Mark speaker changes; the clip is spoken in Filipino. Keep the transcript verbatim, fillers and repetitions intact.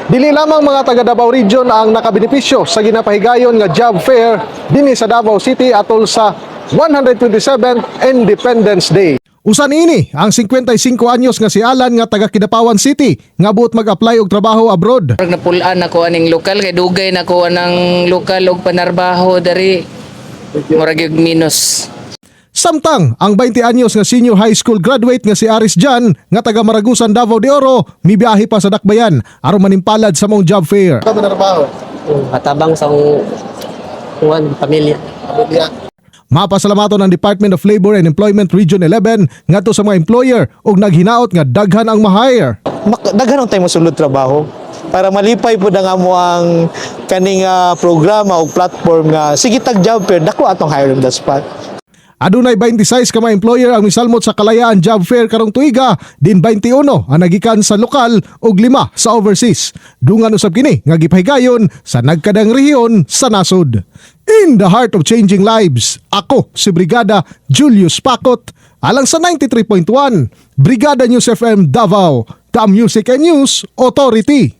Speaker 1: Dili lamang mga taga Davao Region ang nakabenepisyo sa ginapahigayon nga job fair dinhi sa Davao City atol sa one hundred twenty-seventh Independence Day. Usan ini ang fifty-five anyos nga si Alan nga taga Kidapawan City nga buot mag-apply og trabaho abroad.
Speaker 2: Pag napulaan ako aning lokal kay dugay na ko anang lokal og panarbaho dari murag yung minus.
Speaker 1: Samtang ang twenty anyos nga senior high school graduate nga si Aris Jan nga taga Maragusan Davao de Oro mibiyahe pa sa Dakbayan aron manimpalad sa mong job fair. Ka trabaho?
Speaker 3: Matabang sa kuan pamilya.
Speaker 1: Mapasalamaton ang Department of Labor and Employment Region eleven ngadto sa mga employer ug naghinaot nga daghan ang ma-hire.
Speaker 4: Mak- daghan ang tayo masulod trabaho para malipay po na nga mo ang kaning uh, programa o platform nga sige tag job fair dako atong hire on the spot.
Speaker 1: Adunay twenty-six ka mga employer ang misalmot sa Kalayaan Job Fair karong tuiga, din twenty-one ang nagikan sa lokal ug lima sa overseas. Dungan usab kini nga gipahigayon sa nagkadang rehiyon sa nasod. In the heart of changing lives, ako si Brigada Julius Pakot alang sa ninety-three point one Brigada News F M Davao, the Music and News Authority.